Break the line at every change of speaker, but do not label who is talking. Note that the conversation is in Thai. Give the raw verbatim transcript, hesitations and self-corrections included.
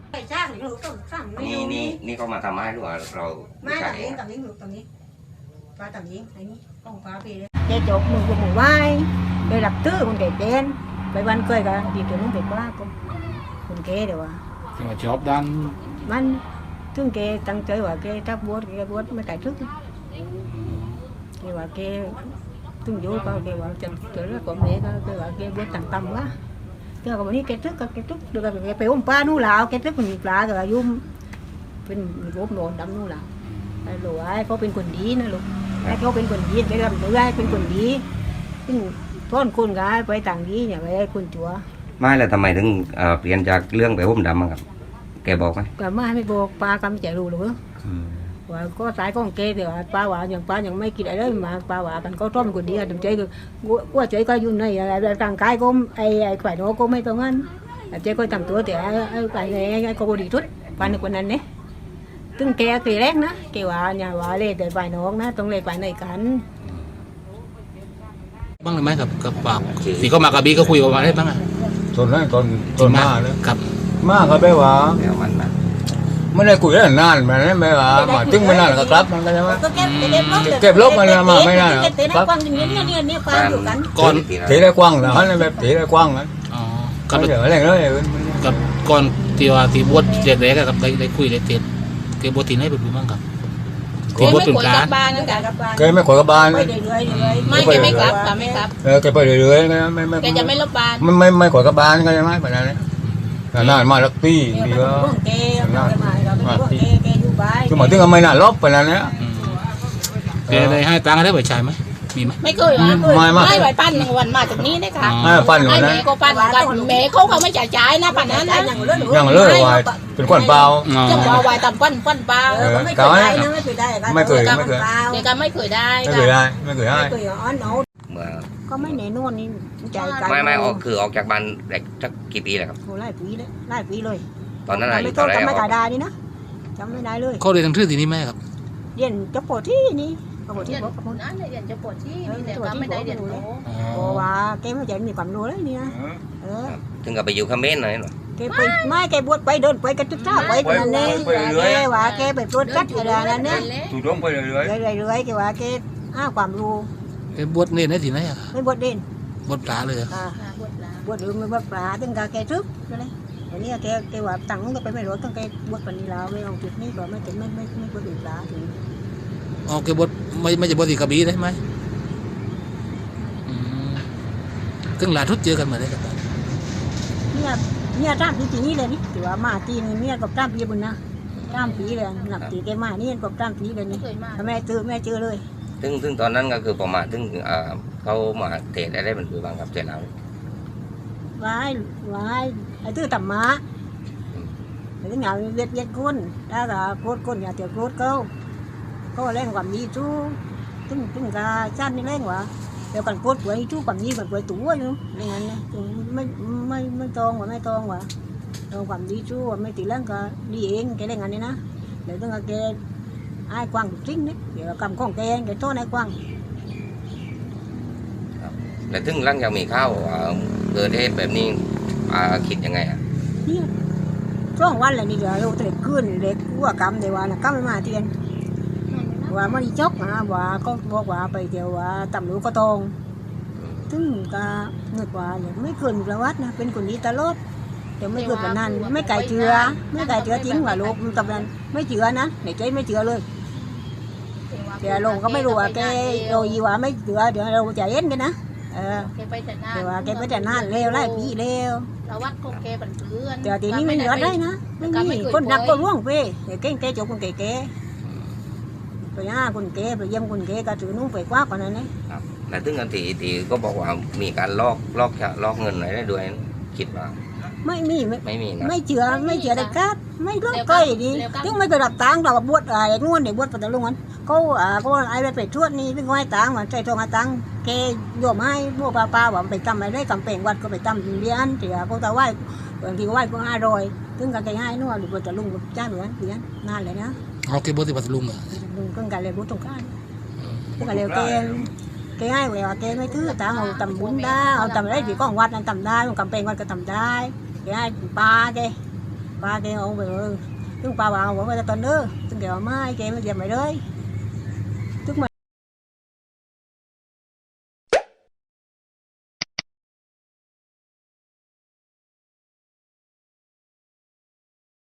ไปจ้างหรือต้องสั่งไม่
นี่
รู้
นี่นี่เขามาทำให้หรือว่าเรา
ไม่
ใช่
ต่างนี้ต่างนี้หรือต่างนี้ปลาต่างนี้ไอ้นี่ต้องปลาไปเลยเจ๊จบมือกับหมูไหว้ไปหลับตื้อคนเก๋เจนไปวันเคยกันดีตัวนู้นเก๋ว่าคนคนเก๋เดี๋ยวว่า
mà chóp đan
มันถึงเก๋ตั้งใจว่าเก๋ถ้าบวชเก๋บวชไม่ไก่ทึกเก๋ว่าเก๋ถึงอยู่ก็เก๋ว่าจะเกิดแล้วก็เมย์ก็เก๋ว่าเก๋บวชต่างต่ำวะเก๋ก็วันนี้เก๋ทึกก็เก๋ทึกดูก็เก๋ไปอมปลานู่นแล้วเก๋ทึกมันปลาก็ยุ่มเป็นรูปโนนดำนู่นแล้วไอ้หลวงเขาเป็นคนดีนะลูกไอ้เขาเป็นคนดีเก๋ทำตัวได้เป็นคนดีซึ่งต้นคนก็ไปต่างดีเนี่ยไปคนจัว
ไม่แล้วทำไมถึงเอ่อเปลี่ยนจากเรื่องไปหุ้มดำอะครับแกบอกไหม
ก็ไม่ไม่บอกปลากำใจรู้หรือว่าก็สายของเกเดี๋ยวปลาหวานอย่างปลาอย่างไม่กินอะไรเลยมาปลาหวานกันก็ต้มคนเดียวถึงใจก็ว่าใจก็ยุ่งในอะไรร่างกายก็ไอ้ไอ้ฝ่ายโน้ก็ไม่ตรงนั้นใจก็ทำตัวแต่ไอ้ฝ่ายไอ้ไอ้ก็บดีทุดฝ่ายนึกคนนั้นเนี่ยตึงแกตีแรกนะแกว่าอย่าว่าเลยแต่ฝ่ายน้องนะต้องเลยฝ่ายไหนกัน
บ้างเลยไหมกับกับปากสีก็มากับบีก็คุยกันมาได้บ้างอ่ะ
ส่วนนั้นตอนตอนมาเนี่ย
ครับ
มาก็แปลว่า
แล้วมันนะ
ไม่ได้คุยได้นานมันไม่แปลว่ามาถึงไม่นานก็กลับมันก็ใช่ไหม
ก็เก็บเก็บลบ
เก็บลบมันมาไม่ได้หรอก
เก็บเก็บกว้างอย่างนี้เนี่ยเนี่ยเนี่ยปลาอยู่กัน
ก่อน
ตีได้กว้างนะฮะแบบตีได้กว้างนะ
อ๋อ
ก็
กับ
เดี๋ยวอะไรเลย
กับก่อนตีว่าตีบวชเด็กๆกับได้ได้คุยได้เตียนเกี่ยวบวชตีไหนเป็นบ้างครับตีบวชเป็นกลาง
บ้านนั่นกัน
แกไม่ขอยกับบ้าน
ไปเรื่อยๆเลย
ไม่แกไม่กลับค่ะไม่กลับ
เออแกไปเรื่อยๆนะไม่ไม่
แกจะไม่ลบบ้าน
ไม่ไม่ไม่ขอยกับบ้านก็ใช่ไหมแบบนั้นนานมาลักตี้
เดี๋ยว
ดี
ไป
ก็
พวกเกย์เราไปมาเราไปพวกเกย์เกย์อยู่บ้าน
คือหมายถึงไม่นานลบไปนั้นเนี่ย
แกได้ให้ตังค์ได้บ่อยใช่ไหมมีไหม
ไม่เคยว่าไม่ไหวปั้นหนึ่งวันมาจากนี้นะคะ
ให้ปั้นอยู่
ให้
นะ
แม่ก็ปั้นกันแม่เขาเขาไม่จ่ายจ่ายนะปั้นนั้นนะ
ยังเลิกวายเป็นก้อนเปล่า
จะบอกวายต่ำปั้นปั้นเปล่า
เออไม่เคยได้นะไม่เคยได้
ไม่เคยไม่เคย
เด็กก็ไม่เคยได้
ไม่เคยได้ไม่เคยได้
ไม่เคยอ้อนเอา
เมื่อ
ก็ไม่แน่นอนนี่ใจกัน
ไม่ไม่ออกคือออกจากบ้านเด็กสักกี่ปีแล้วครับ
โอ้ไล่ปีเลยไล่ปีเลย
ตอนนั้นอายุ
ไม่ต้
เท่า
อง
ไหร่
จำไม่
ออก
ได้นี่นะจำไม่ได้เลย
เขาเรียนทางชื่อที่นี่ไหมครับ
เรียนจบปที่นี่จบที่
เรียน
บอกกับ
คนนั้นเรียนจะปวดที่นี่แต่ก็ไม่ได้เรียนโต
เพราะว่าแกไม่ใจมีความรู้เลยนี่นะเออ
ถึงกับไปอยู่เขมรหน่อยหน่อย
แกไปไม่แกบวชไปเดินไปกันทุกท่าไปนั่นเองแกว่าแกไปปวดกัดอะไรนั่นเนี่ย
ถูกต้องไปเรื่อย
เรื่อยๆเรื่อยๆแกว่าแกอ้าความรู้
แกบวชเนี่ยได้ที่ไหนอ่ะ
ไม่บวชเด่น
บวชปลาเลยอะ
อ่า
ปวดหลัง
บวชหรือไม่บวชปลาตึงกาแกทึบนั่นเลยวันนี้แกแกว่าตังค์ก็ไปไม่รู้ตั้งแกบวชปันนี้แล้วไม่เอาจุดนี้ก็ไม่ถึงไม่ไม่ไม่บวชปลาถึง
อ๋อแกบวชไม่ไม่จะบวชที่กระบี่ได้ไหมอืมครึ่งหลานทุดเจอกันเหมือนได้กับ
เนี่ยเนี่ยตามปีที่นี่เลยนี่ถือว่ามาตีนี่เนี่ยกับตามปีบุญนะตามปีเลยหนักตีแกมานี่กับตามปีเลย
ไม่
นี่
เคยมา
แม่เจอแม่เจอเลย
ซึ่งซึ่งตอนนั้นก็คือประมาณซึ่งเอ่อเขามาเทศได้ได้เป็นคือบ้างครับเสร็จแล้ว
วายวายไอ้ตื้อต่ำม้าไอ้ตื้อเหงาเวียดเวียดก้นถ้าก็โคตรก้นอย่าเตียวโคตรเขาเขาเล่นความดีจู้ตึ้งตึ้งกาชาตินี่เล่นวะเดี๋ยวกันโคตรป่วยจู้ความดีแบบป่วยตัวอยู่อย่างนั้นนะไม่ไม่ไม่ตรงวะไม่ตรงวะตรงความดีจู้ไม่ตีเล่นก็ดีเองแกเล่นงานนี้นะเดี๋ยวต้องแกไอ้กว้างจริงนี่เดี๋ยวกำของแกแกโตในกว้าง
แล้วถึงหลังจากมีข้าวเอ่อเกิดเหตุแบบนี้อ่าคิดยังไงอ่ะ
เนี่ยช่วงวันอะไรนี่เดี๋ยวเราเด็กขึ้นเด็กกัวกำเดี๋ยวว่านะกำไม่มาเทียนว่ามันจกนะว่าก็บอกว่าไปเดี๋ยวว่าตำรวจก็ตรงถึงก็นึกว่าเนี่ยไม่เกินประวัตินะเป็นคนดีตลอดเดี๋ยวไม่เกินแบบนั้นไม่ไก่เจือไม่ไก่เจือจริงว่าลูกตำนั้นไม่เจือนะในใจไม่เจือเลยเดี๋ยวลงก็ไม่รู้ว่าแกโดยว่าไม่เจือเดี๋ยวเราจะเอ็นกันนะเออ
แกไปแต่หน้า
เดี๋ยวว่าแกไปแต่นานเร็วไล่ปีเร็ว
เราวัดของแกเป็นเพื่อน
แต่ทีนี้ไม่เหลือได้นะไม่มีคนรักก็ร่วงไปเดี๋ยวเก่งแกจบคนแก่ๆไปหาคนแก่ไปเยี่ยมคนแก่ก็ถือนุ่งไปกว่ากันนั้นนะ
ครับแล้วถึงกันทีทีก็บอกว่ามีการลอกลอกลอกเงินอะไรได้ด้วยคิดว่า
ไม่มีไม่
ไม่มีนะ
ไม่เชื่อไม่เชื่อได้กัดไม่รู้ใกล้ดีถึงไม่ไปรับตังค์เราบวชอะไรงวนเดี๋ยวบวชปัตตาลุงมันก็อ่าก็ไอ้ไปทวดนี่ถึงไว้ตังค์มันใจทองตังค์แกโยมให้พวกป้าป้าว่าไปทำอะไรได้กำแพงวัดก็ไปทำเรียนเดี๋ยวก็จะไหว้บางทีก็ไหว้ก็ห้าร้อยถึงกันแกให้นู่นหรือปัตตาลุงจ้างเหมือนเรียนนานเลยนะ
เอาแกบวชที่ปัตตานีเหรอ
ลุงก็กันเลยบุตรกันก็เลยแกแกให้เวลาแกไม่ถือตามเอาตำบุญได้เอาตำอะไรที่ก้องวัดนั้นตำได้กำแพงวัดก็ตำได้แกให้ปลาแกป้าแกเอาไปเลยถึงป้าว่าเอาไว้ตอนเด้อถึงแกว่าไม่แกไม่เจ็บไม่เลย